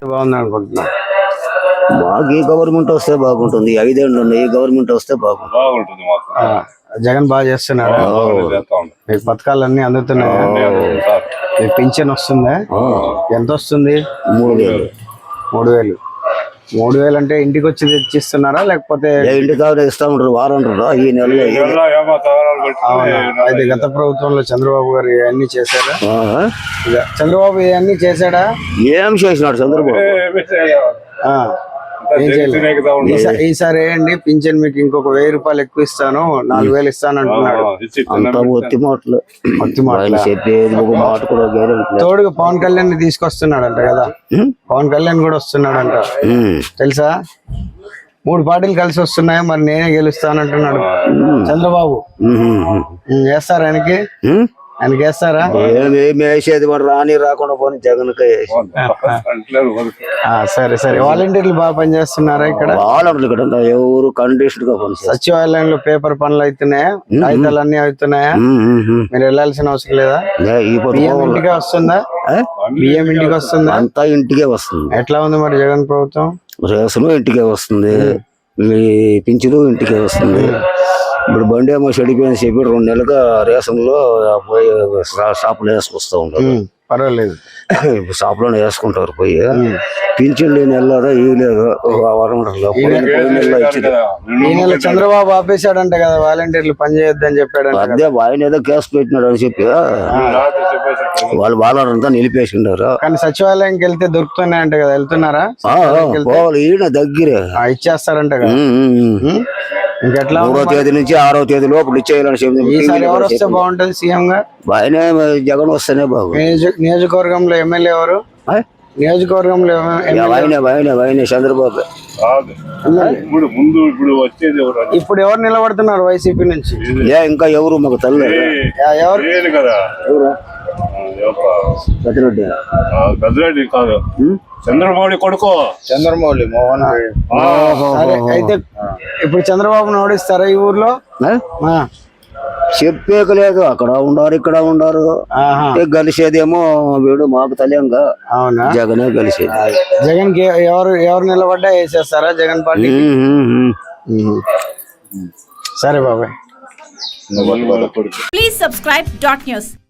బాగుంది అనుకుంటున్నా. మాకు ఈ గవర్నమెంట్ వస్తే బాగుంటుంది, 5 ఏళ్ళు ఉన్నాయి, ఈ గవర్నమెంట్ వస్తే బాగుంటుంది. జగన్ బాగా చేస్తున్నాడు. మీకు పథకాలన్నీ అందుతున్నాయా? మీకు పింఛన్ వస్తుందా? ఎంత వస్తుంది? 3000. 3000. 3000 అంటే ఇంటికి వచ్చి తెచ్చిస్తున్నారా లేకపోతే ఇంటి కావాలి ఇస్తా ఉంటారు, వారం ఉంటారు ఈ నెల. అయితే గత ప్రభుత్వంలో చంద్రబాబు గారు ఇవన్నీ చేశారా? చంద్రబాబు ఇవన్నీ చేశాడా? ఏం చేసినాడు చంద్రబాబు? ఈసారి ఏంటి పింఛన్ మీకు ఇంకొక 1000 రూపాయలు ఎక్కువ ఇస్తాను, 4000 ఇస్తాను అంటున్నాడు. చెప్పేది ఒక మాట కూడా గ్యారెంటీ. తోడుగా పవన్ కళ్యాణ్ తీసుకొస్తున్నాడంట కదా, పవన్ కళ్యాణ్ కూడా వస్తున్నాడంట తెలుసా? 3 పార్టీలు కలిసి వస్తున్నాయి, మరి నేనే గెలుస్తానంటున్నాడు చంద్రబాబు. వేస్తారా ఆయనకి? ఆయనకి వేస్తారా? వేసేది వాడు రాని రాకుండా పోనీ జగన్. సరే సరే. వాలంటీర్లు బాగా పనిచేస్తున్నారా ఇక్కడ? వాలంటీర్లు ఇక్కడ ఎవరు కండిషన్ గా పని. సచివాలయంలో పేపర్ పనులు అవుతున్నాయా? కాగితాలు అన్ని అవుతున్నాయా? మీరు వెళ్ళాల్సిన అవసరం లేదా? బియ్యం ఇంటికే వస్తుందా? బియ్యం ఇంటికి వస్తుందా? అంతా ఇంటికే వస్తుంది. ఎట్లా ఉంది మరి జగన్ ప్రభుత్వం? రేషన్ ఇంటికే వస్తుంది, పింఛను ఇంటికే వస్తుంది. ఇప్పుడు బండి ఏమో చెడిపోయింది చెప్పి 2 నెలలుగా రేషన్ లో పోయి షాపులో వేసుకొస్తా ఉంటారు. పర్వాలేదు, షాపులోనే వేసుకుంటారు పోయి. పింఛన్ లేని వెళ్ళదా ఈ లేదు చంద్రబాబు ఆపేశాడంట కదా, వాలంటీర్లు పని చేయొద్దని చెప్పాడు. అదే ఆయన ఏదో కేసు పెట్టినాడు అని చెప్పి వాళ్ళు వాళ్ళంతా నిలిపేసిండారు. కానీ సచివాలయంకి వెళ్తే దొరుకుతున్నాయంట కదా, వెళ్తున్నారా? ఈయన దగ్గరే ఇచ్చేస్తారంట కదా. ఇంకెట్లా 3వ తేదీ నుంచి 6వ తేదీ లోపల ఇచ్చేయాలని చెప్పి. ఈసారి ఎవరు వస్తే బాగుంటది సీఎం గా? ఆయనే జగన్ వస్తేనే బాగు. నియోజకవర్గంలో ఎమ్మెల్యే ఎవరు? నియోజకవర్గంలో ఆయన చంద్రబాబు. ఇప్పుడు ఎవరు నిలబడుతున్నారు వైసీపీ నుంచి? ఇంకా ఎవరు మాకు తల్లి ఎవరు? పెద్దరెడ్డి కాదు, చంద్రమౌళి కొడుకు చంద్రమౌళి మోహన్. అయితే ఇప్పుడు చంద్రబాబును ఓడిస్తారా ఈ ఊర్లో? చెప్పేక లేదు, అక్కడ ఉండారు ఇక్కడ ఉండారు. గెలిచేదేమో వీడు మాకు తెలియంగా. అవునా? జగనే గెలిచేది. జగన్ కి ఎవరు నిలబడ్డా వేసేస్తారా జగన్ పార్టీ? సరే బాబాయ్. Please subscribe .news.